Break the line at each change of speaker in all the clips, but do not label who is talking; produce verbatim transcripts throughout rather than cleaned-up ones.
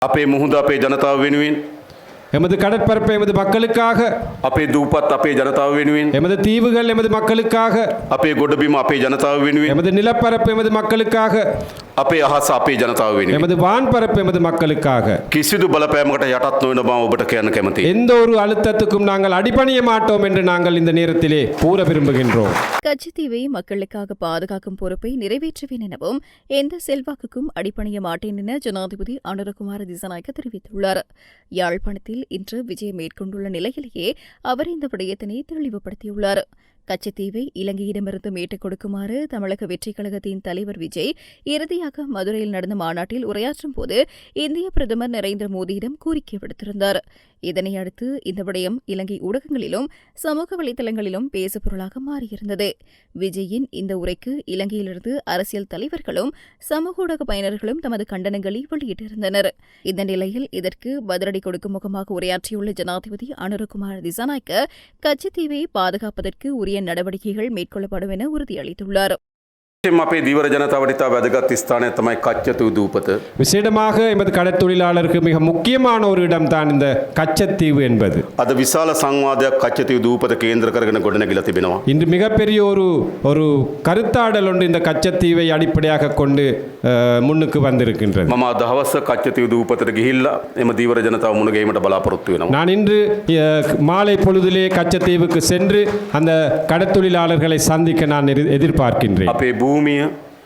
අපේ මුහුද අපේ ජනතාව වෙනුවෙන්
எமது கடற்பரப்பு எமது மக்களுக்காக,
අපේ දූපත් අපේ ජනතාව වෙනුවෙන්
எமது தீவுகள் எமது மக்களுக்காக,
අපේ ගොඩබිම අපේ ජනතාව වෙනුවෙන්
எமது நிலப்பரப்பு எமது மக்களுக்காக,
අපේ අහස අපේ ජනතාව වෙනුවෙන්
எமது வான்பரப்பு எமது மக்களுக்காக
කිසිදු බලපෑමකට යටත් නොවන බව ඔබට කියන්න කැමතියි.
எந்த ஒரு அழுத்தத்துக்கும் நாங்கள் அடிபணிய மாட்டோம் என்று நாங்கள் இந்த நேரத்திலே கூற விரும்புகின்றோம்.
கச்சத்தீவை மக்களுக்காக பாதுகாக்கும் பொறுப்பை நிறைவேற்றுவேன் எனவும் எந்த செல்வாக்குக்கும் அடிபணிய மாட்டேன் என ஜனாதிபதி அனுரகுமார திசாநாயக்க தெரிவித்துள்ளார். யாழ்ப்பாணத்தில் இன்று விஜயம் மேற்கொண்டுள்ள நிலையிலேயே அவர் இந்த விடயத்தினை தெளிவுபடுத்தியுள்ளார். கச்சத்தீவை இலங்கையிடமிருந்து மீட்டுக் கொடுக்குமாறு தமிழக வெற்றிக் கழகத்தின் தலைவர் விஜய் இறுதியாக மதுரையில் நடந்த மாநாட்டில் உரையாற்றும் போது இந்திய பிரதமர் நரேந்திர மோடியிடம் கோரிக்கை விடுத்திருந்தார். இதனையடுத்து இந்த விடயம் இலங்கை ஊடகங்களிலும் சமூக வலைதளங்களிலும் பேசுபொருளாக மாறியிருந்தது. விஜயின் இந்த உரைக்கு இலங்கையிலிருந்து அரசியல் தலைவர்களும் சமூக ஊடக பயனர்களும் தமது கண்டனங்களை வெளியிட்டிருந்தனர். இந்த நிலையில் இதற்கு பதிலடி கொடுக்கும் முகமாக உரையாற்றியுள்ள ஜனாதிபதி அனுரகுமார திசாநாயக்க கச்சத்தீவை பாதுகாப்பதற்கு உரிய நடவடிக்கைகள் மேற்கொள்ளப்படும் என உறுதியளித்துள்ளார்.
අපේ දීවර ජනතාවට ඉතා වැදගත් ස්ථානය තමයි කච්චතු දූපත.
விசேடமாக எமது கடற்தொழிலாளருக்கு மிக முக்கியமான ஒரு இடம்தான் இந்த கச்சத்தீவு என்பது.
අද විශාල සංවාදයක් කච්චතු දූපත කේන්ද්‍ර කරගෙන ගොඩනැගිලා තිබෙනවා.
இன்று மிகப்பெரிய ஒரு ஒரு கருத்தாடல் ஒன்று இந்த கச்சத்தீவை அடிப்படையாக கொண்டு அஹ், முன்னுக்கு வந்திருக்கின்றது.
මම අද හවස කච්චතු දූපතට ගිහිල්ලා එම දීවර ජනතාව මුණ ගැහිමට බලාපොරොත්තු වෙනවා.
நான் இன்று அஹ், மாலை பொழுதிலே கச்சத்தீவுக்கு சென்று அந்த கடற்தொழிலாளர்களை சந்திக்க நான் எதிர்- எதிர்பார்க்கின்றேன்.
අපේ භූමිය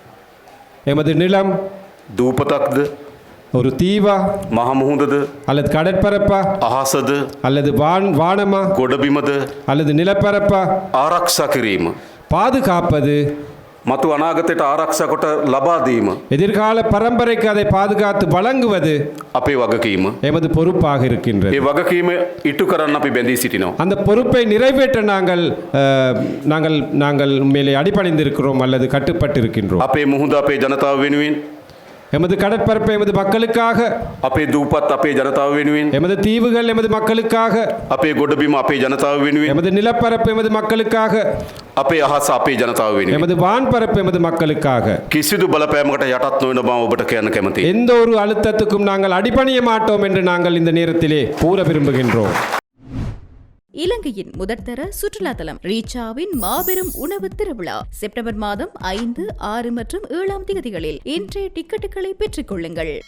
எமது நிலம்
දූපතක්ද
ஒரு தீவா
මහ මුහුදද
அல்லது கடற்பரப்பா
අහසද
அல்லது வான் வானமா
ගොඩබිමද
அல்லது நிலப்பரப்பா
ආරක්ෂා කිරීම
பாதுகாப்பது,
මතු අනාගතයට ආරක්ෂා කොට ලබා දීම
எதிர்கால பரம்பரைக்கு அதை பாதுகாத்து வழங்குவது
අපේ වගකීම.
எமது பொறுப்பாக இருக்கின்றது.
ඒ වගකීම ඉටු කරන්න අපි බැඳී සිටිනවා.
அந்த பொறுப்பை நிறைவேற்ற நாங்கள் அஹ், நாங்கள் நாங்கள் மேலே அடிபணிந்திருக்கிறோம் அல்லது கட்டுப்பட்டு இருக்கின்றோம்.
අපේ මුහුද අපේ ජනතාව වෙනුවෙන්
எமது கடற்பரப்பு எமது மக்களுக்காக,
අපේ දූපත් අපේ ජනතාව වෙනුවෙන්
எமது தீவுகள் எமது மக்களுக்காக,
අපේ ගොඩබිම අපේ ජනතාව වෙනුවෙන්
எமது நிலப்பரப்பு எமது மக்களுக்காக,
අපේ අහස අපේ ජනතාව වෙනුවෙන්
எமது வான்பரப்பு எமது மக்களுக்காக
කිසිදු බලපෑමකට යටත් නොවන බව ඔබට කියන්න කැමතියි.
எந்த ஒரு அழுத்தத்துக்கும் நாங்கள் அடிபணிய மாட்டோம் என்று நாங்கள் இந்த நேரத்திலே கூற விரும்புகின்றோம்.
இலங்கையின் முதற்தர சுற்றுலா தலம் ரீச்சாவின் மாபெரும் உணவு திருவிழா செப்டம்பர் மாதம் ஐந்து ஆறு மற்றும் ஏழாம் தேதிகளில் இன்றைய டிக்கெட்டுகளை பெற்றுக் கொள்ளுங்கள்.